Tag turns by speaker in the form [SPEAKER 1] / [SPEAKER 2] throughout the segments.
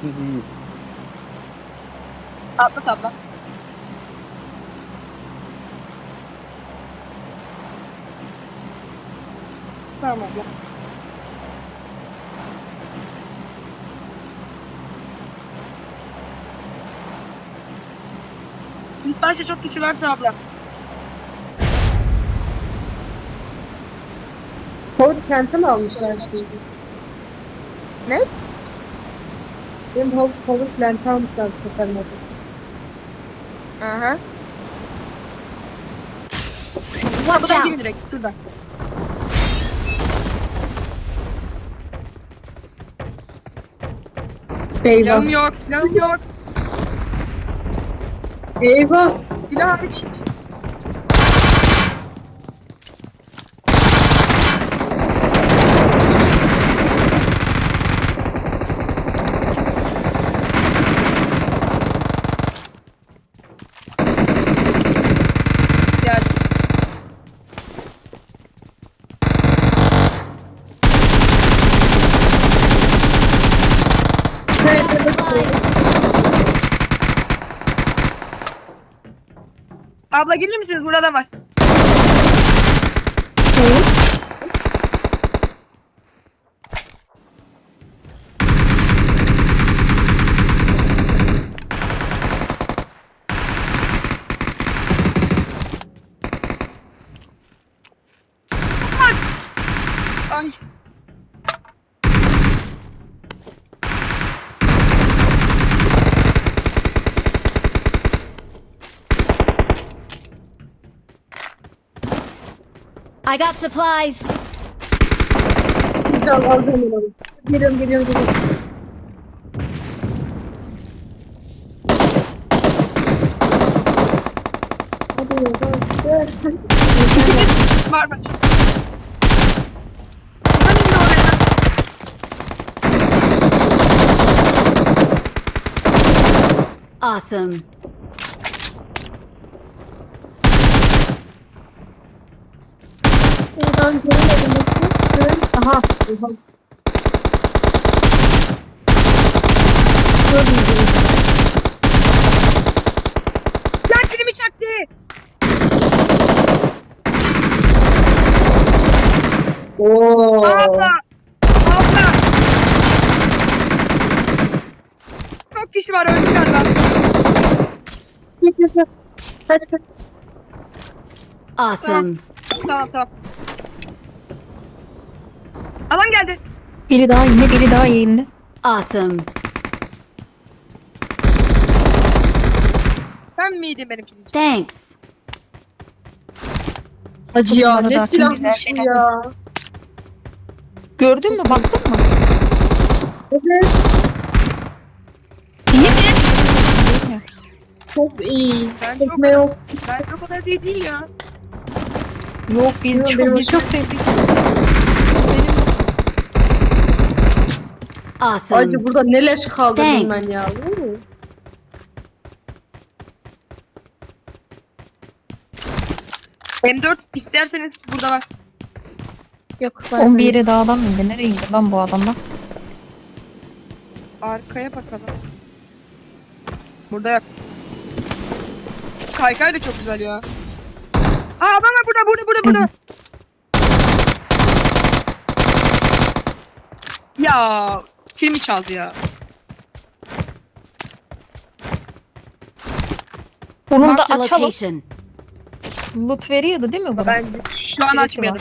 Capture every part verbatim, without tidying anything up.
[SPEAKER 1] Biz iyiyiz.
[SPEAKER 2] Atlat abla. Tamam abla. İlk başta çok kişi varsa abla.
[SPEAKER 3] Ford kenti mi almışlar şimdi?
[SPEAKER 2] Ne?
[SPEAKER 3] Benim Ford Ford kenti almışlar bu sefer modu.
[SPEAKER 2] Aha. Bu
[SPEAKER 4] Watch
[SPEAKER 2] kapıdan girin
[SPEAKER 4] out!
[SPEAKER 2] direkt. Şuradan.
[SPEAKER 3] Eyvah.
[SPEAKER 2] Silahım yok, silahım yok.
[SPEAKER 3] Eyvah.
[SPEAKER 2] Silah hiç. Gel. Abla gelir misiniz? Burada var. Ay.
[SPEAKER 4] I got supplies.
[SPEAKER 3] Güzel alacağım onu. Geliyorum geliyorum geliyorum. Hadi yavaş.
[SPEAKER 2] Var var. Buradan indi oraya.
[SPEAKER 4] Awesome.
[SPEAKER 3] Buradan göremedim. Aha. Oha. Gördüm gördüm.
[SPEAKER 2] Lan kilimi çaktı.
[SPEAKER 3] Oo.
[SPEAKER 2] Abla. Abla. Çok kişi var öldü galiba.
[SPEAKER 3] Git git git. Hadi hadi.
[SPEAKER 4] Awesome.
[SPEAKER 2] Tamam tamam. Alan geldi.
[SPEAKER 5] Biri daha indi, biri daha indi.
[SPEAKER 4] Awesome.
[SPEAKER 2] Sen miydin benim kilim?
[SPEAKER 4] Thanks.
[SPEAKER 3] Hacı ya
[SPEAKER 5] Bunları
[SPEAKER 3] ne
[SPEAKER 5] da
[SPEAKER 3] silahmış bu ya.
[SPEAKER 5] Gördün mü? Baktın mı?
[SPEAKER 3] Evet.
[SPEAKER 5] İyi mi?
[SPEAKER 3] Çok iyi.
[SPEAKER 2] Ben çok,
[SPEAKER 3] Tekme yok.
[SPEAKER 2] ben çok o kadar değil, değil ya.
[SPEAKER 5] Yok biz
[SPEAKER 3] Yok,
[SPEAKER 5] çok,
[SPEAKER 3] benim
[SPEAKER 5] biz çok sevdik.
[SPEAKER 4] Awesome.
[SPEAKER 3] Hacı burada ne leş kaldırdım ben
[SPEAKER 4] Thanks.
[SPEAKER 3] ya. Uuu.
[SPEAKER 2] M dört isterseniz burada var.
[SPEAKER 3] Yok.
[SPEAKER 5] on bir yere dağdan mı indi? Nereye indi lan bu adamlar?
[SPEAKER 2] Arkaya bakalım. Burada yok. Kaykay da çok güzel ya. Aa adam var burada burada burada burada. Ya filmi çaldı ya.
[SPEAKER 5] Onu da
[SPEAKER 4] Marked a
[SPEAKER 5] açalım.
[SPEAKER 4] location.
[SPEAKER 5] Loot veriyordu değil mi bana?
[SPEAKER 2] Bence şu an
[SPEAKER 5] Birisi
[SPEAKER 2] açmayalım.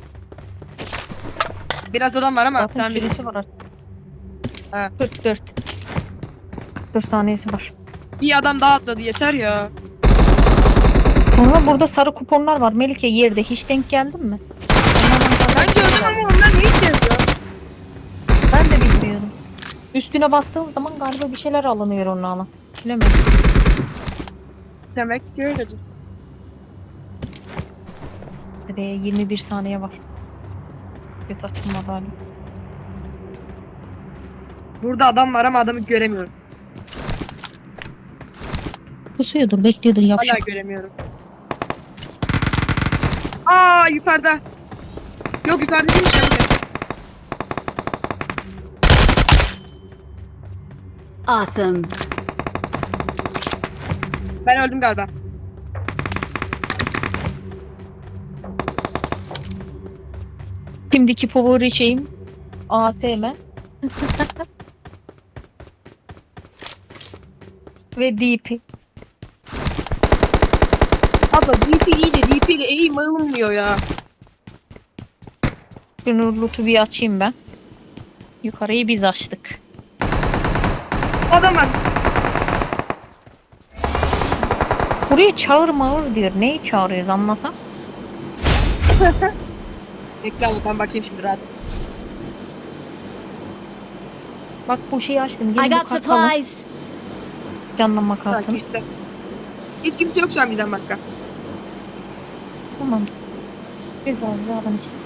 [SPEAKER 2] Biraz adam var ama
[SPEAKER 5] Zaten
[SPEAKER 2] sen bilirsin.
[SPEAKER 5] süresi var artık.
[SPEAKER 2] Ha.
[SPEAKER 5] kırk dört. dört saniyesi var.
[SPEAKER 2] Bir adam daha atladı yeter ya.
[SPEAKER 5] Ama burada sarı kuponlar var. Melike yerde. Hiç denk geldin mi? Onlardan
[SPEAKER 2] Ben gördüm ama onlar ne işe yarıyor?
[SPEAKER 5] Ben de bilmiyorum. Üstüne bastığım zaman galiba bir şeyler alınıyor onunla alan. Bilemedim.
[SPEAKER 2] Demek ki öyledir.
[SPEAKER 5] Ve yirmi bir saniye var. Göt açılmadı hala.
[SPEAKER 2] Burada adam var ama adamı göremiyorum.
[SPEAKER 5] Pusuyordur, bekliyordur
[SPEAKER 2] Hala
[SPEAKER 5] yavşak.
[SPEAKER 2] göremiyorum. Aa yukarıda. Yok yukarıda değilmiş ya.
[SPEAKER 4] Awesome.
[SPEAKER 2] Ben öldüm galiba.
[SPEAKER 5] Şimdiki favori şeyim A S M. Ve D P.
[SPEAKER 2] Abla D P iyice D P ile eğim alınmıyor ya.
[SPEAKER 5] Şunu loot'u bir açayım ben. Yukarıyı biz açtık.
[SPEAKER 2] Adam var.
[SPEAKER 5] Buraya çağır mağır diyor. Neyi çağırıyoruz anlasam?
[SPEAKER 2] Bekle abla ben bakayım şimdi rahat.
[SPEAKER 5] Bak bu şeyi açtım.
[SPEAKER 4] I
[SPEAKER 5] Gelin bu
[SPEAKER 4] got
[SPEAKER 5] kartı alın.
[SPEAKER 4] supplies.
[SPEAKER 5] Canlanma
[SPEAKER 2] Sanki
[SPEAKER 5] kartını.
[SPEAKER 2] işte. Hiç kimse yok şu an bizden başka.
[SPEAKER 5] Tamam. Güzel güzel alın işte.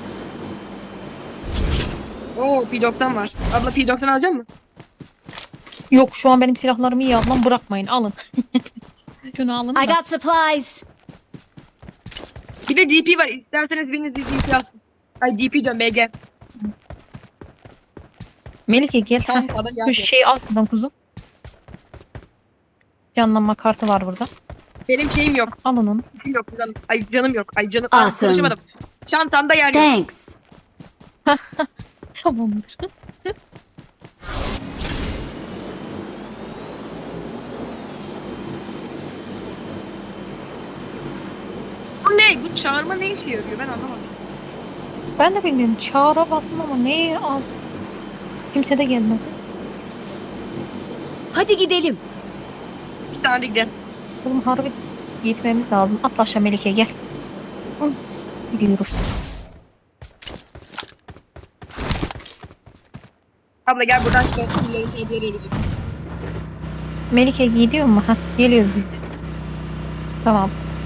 [SPEAKER 2] Oo P doksan var. Abla P doksan alacak mısın?
[SPEAKER 5] Yok şu an benim silahlarımı iyi ablam bırakmayın alın. Şunu alın
[SPEAKER 4] I
[SPEAKER 5] da.
[SPEAKER 4] got supplies.
[SPEAKER 2] Bir de D P var. İsterseniz biriniz D P alsın. Ay D P dön B G.
[SPEAKER 5] Melike gel.
[SPEAKER 2] Tamam,
[SPEAKER 5] Heh,
[SPEAKER 2] adam
[SPEAKER 5] Şu
[SPEAKER 2] geldi.
[SPEAKER 5] şeyi al şuradan kuzum. Canlanma kartı var burada.
[SPEAKER 2] Benim şeyim yok.
[SPEAKER 5] Alın onu.
[SPEAKER 2] Canım yok canım. Ay canım yok. Ay canım. Aa,
[SPEAKER 4] Awesome.
[SPEAKER 2] konuşamadım. Çantamda yer yok.
[SPEAKER 4] Thanks.
[SPEAKER 5] Tamamdır.
[SPEAKER 2] Bu ne? Bu çağırma ne işe yarıyor? Ben anlamadım.
[SPEAKER 5] Ben de bilmiyorum. Çağrı bastım ama neyi al? Kimse de gelmedi.
[SPEAKER 4] Hadi gidelim.
[SPEAKER 2] Bir tane de gidelim.
[SPEAKER 5] Oğlum harbi gitmemiz lazım. Atla aşağı Melike gel.
[SPEAKER 2] Hı.
[SPEAKER 5] Gidiyoruz.
[SPEAKER 2] Abla gel buradan çıkalım. Yarın tehlikeli arayacağız.
[SPEAKER 5] Melike gidiyor mu? Hah, geliyoruz biz de. Tamam.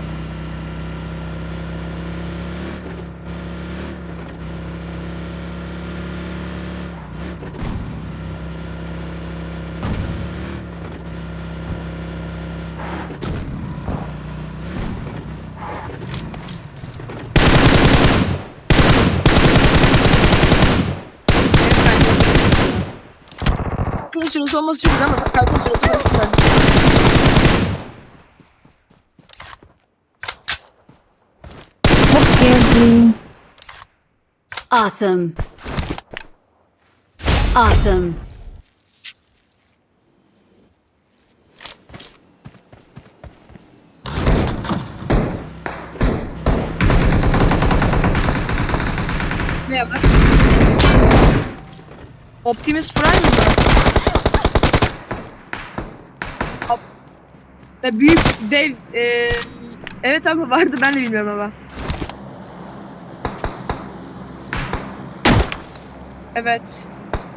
[SPEAKER 2] Kalkın süresi olması çok güzel ama kalkın süresi olması güzel.
[SPEAKER 5] Hoş geldin.
[SPEAKER 4] Awesome. Awesome.
[SPEAKER 2] Ne yapalım? Optimus Prime mı? Op- Ve büyük dev e, evet abi vardı ben de bilmiyorum ama. Evet.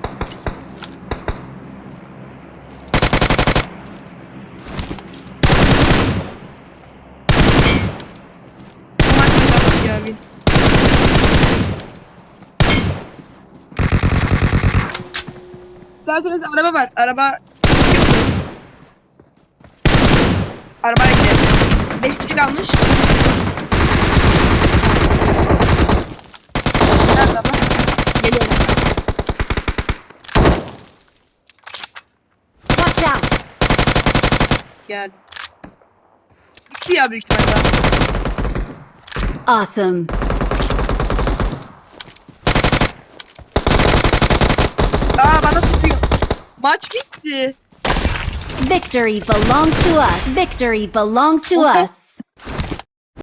[SPEAKER 2] Aman Allah'ım ya, bir- İsterseniz araba var. Araba... Arabaya gidelim. Beş kişi kalmış. Nerede abla? Geliyorum.
[SPEAKER 4] Watch out.
[SPEAKER 2] Geldi. Bitti ya büyük ihtimalle.
[SPEAKER 4] Awesome.
[SPEAKER 2] Aa bana tutuyor. Maç bitti.
[SPEAKER 4] Victory belongs to us. Victory belongs to
[SPEAKER 2] Okay.
[SPEAKER 4] us.